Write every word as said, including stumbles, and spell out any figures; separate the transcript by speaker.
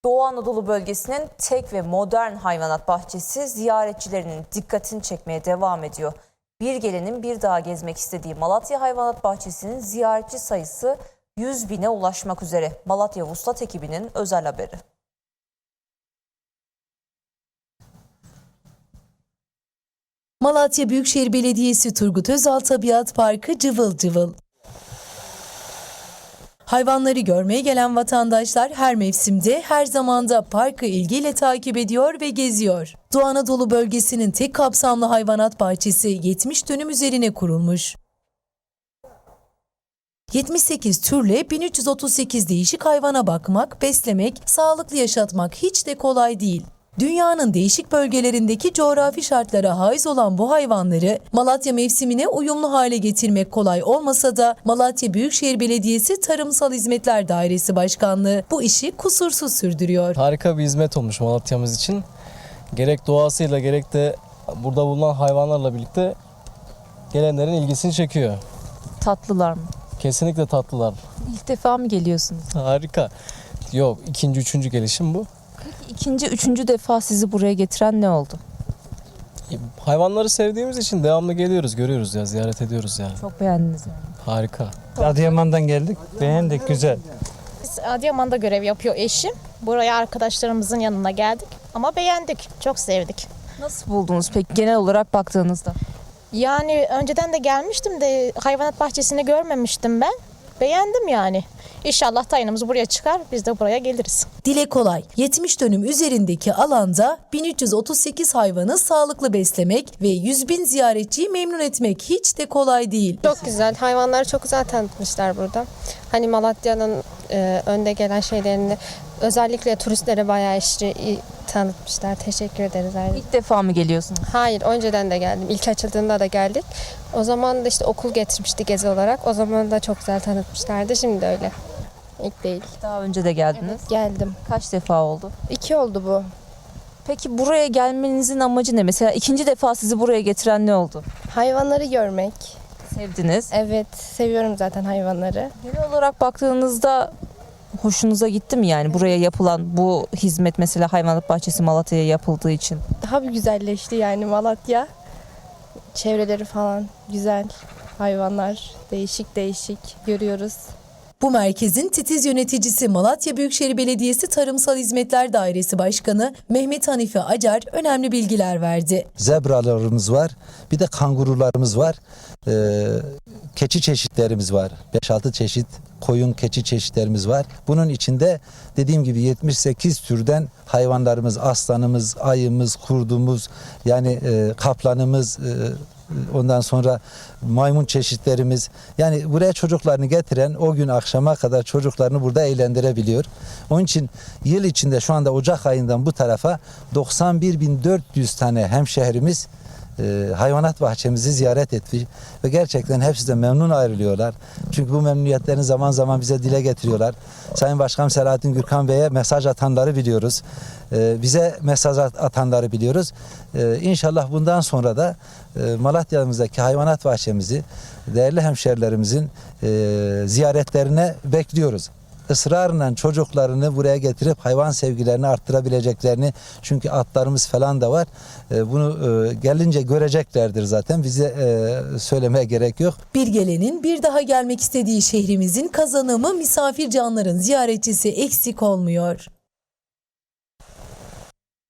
Speaker 1: Doğu Anadolu bölgesinin tek ve modern hayvanat bahçesi ziyaretçilerinin dikkatini çekmeye devam ediyor. Bir gelenin bir daha gezmek istediği Malatya Hayvanat Bahçesi'nin ziyaretçi sayısı yüz bine ulaşmak üzere. Malatya Vuslat ekibinin özel haberi.
Speaker 2: Malatya Büyükşehir Belediyesi Turgut Özal Tabiat Parkı cıvıl cıvıl. Hayvanları görmeye gelen vatandaşlar her mevsimde, her zamanda parkı ilgiyle takip ediyor ve geziyor. Doğu Anadolu bölgesinin tek kapsamlı hayvanat bahçesi yetmiş dönüm üzerine kurulmuş. yetmiş sekiz türle bin üç yüz otuz sekiz değişik hayvana bakmak, beslemek, sağlıklı yaşatmak hiç de kolay değil. Dünyanın değişik bölgelerindeki coğrafi şartlara haiz olan bu hayvanları Malatya mevsimine uyumlu hale getirmek kolay olmasa da Malatya Büyükşehir Belediyesi Tarımsal Hizmetler Dairesi Başkanlığı bu işi kusursuz sürdürüyor.
Speaker 3: Harika bir hizmet olmuş Malatya'mız için. Gerek doğasıyla gerek de burada bulunan hayvanlarla birlikte gelenlerin ilgisini çekiyor.
Speaker 1: Tatlılar mı?
Speaker 3: Kesinlikle tatlılar.
Speaker 1: İlk defa mı geliyorsunuz?
Speaker 3: Harika. Yok, ikinci, üçüncü gelişim bu.
Speaker 1: Peki ikinci, üçüncü defa sizi buraya getiren ne oldu?
Speaker 3: Hayvanları sevdiğimiz için devamlı geliyoruz, görüyoruz ya, ziyaret ediyoruz yani.
Speaker 1: Çok beğendiniz yani.
Speaker 3: Harika.
Speaker 4: Adıyaman'dan geldik. Beğendik, güzel.
Speaker 5: Biz Adıyaman'da görev yapıyor eşim. Buraya arkadaşlarımızın yanına geldik ama beğendik, çok sevdik.
Speaker 1: Nasıl buldunuz peki genel olarak baktığınızda?
Speaker 5: Yani önceden de gelmiştim de hayvanat bahçesini görmemiştim ben. Beğendim yani. İnşallah tayinimiz buraya çıkar, biz de buraya geliriz.
Speaker 2: Dile kolay, yetmiş dönüm üzerindeki alanda bin üç yüz otuz sekiz hayvanı sağlıklı beslemek ve yüz bin ziyaretçiyi memnun etmek hiç de kolay değil.
Speaker 6: Çok güzel. Hayvanları çok güzel tanıtmışlar burada. Hani Malatya'nın e, önde gelen şeylerini özellikle turistlere bayağı işi tanıtmışlar. Teşekkür ederiz. Ayrıca.
Speaker 1: İlk defa mı geliyorsunuz?
Speaker 6: Hayır, önceden de geldim. İlk açıldığında da geldik. O zaman da işte okul getirmişti gezi olarak. O zaman da çok güzel tanıtmışlardı. Şimdi de öyle. İlk değil.
Speaker 1: Daha önce de geldiniz.
Speaker 6: Geldim.
Speaker 1: Kaç defa oldu?
Speaker 6: İki oldu bu.
Speaker 1: Peki buraya gelmenizin amacı ne? Mesela ikinci defa sizi buraya getiren ne oldu?
Speaker 6: Hayvanları görmek.
Speaker 1: Sevdiniz.
Speaker 6: Evet, seviyorum zaten hayvanları.
Speaker 1: Genel olarak baktığınızda hoşunuza gitti mi yani buraya yapılan bu hizmet, mesela hayvanat bahçesi Malatya'ya yapıldığı için?
Speaker 6: Daha bir güzelleşti yani Malatya. Çevreleri falan güzel. Hayvanlar değişik değişik görüyoruz.
Speaker 2: Bu merkezin titiz yöneticisi Malatya Büyükşehir Belediyesi Tarımsal Hizmetler Dairesi Başkanı Mehmet Hanife Acar önemli bilgiler verdi.
Speaker 7: Zebralarımız var, bir de kangurularımız var, ee, keçi çeşitlerimiz var, beş altı çeşit koyun keçi çeşitlerimiz var. Bunun içinde dediğim gibi yetmiş sekiz türden hayvanlarımız, aslanımız, ayımız, kurdumuz, yani e, kaplanımız, e, ondan sonra maymun çeşitlerimiz, yani buraya çocuklarını getiren o gün akşama kadar çocuklarını burada eğlendirebiliyor. Onun için yıl içinde şu anda Ocak ayından bu tarafa doksan bir bin dört yüz tane hemşehrimiz e, hayvanat bahçemizi ziyaret etti ve gerçekten hepsi de memnun ayrılıyorlar. Çünkü bu memnuniyetlerini zaman zaman bize dile getiriyorlar. Sayın Başkan Selahattin Gürkan Bey'e mesaj atanları biliyoruz. E, bize mesaj atanları biliyoruz. E, İnşallah bundan sonra da e, Malatya'mızdaki hayvanat bahçemizi değerli hemşerilerimizin e, ziyaretlerine bekliyoruz. Israrla çocuklarını buraya getirip hayvan sevgilerini arttırabileceklerini, çünkü atlarımız falan da var. E, bunu e, gelince göreceklerdir zaten. Bize e, söylemeye gerek yok.
Speaker 2: Bir gelenin bir daha gelmek istediği şehrimizin kazanımı misafir canların ziyaretçisi eksik olmuyor.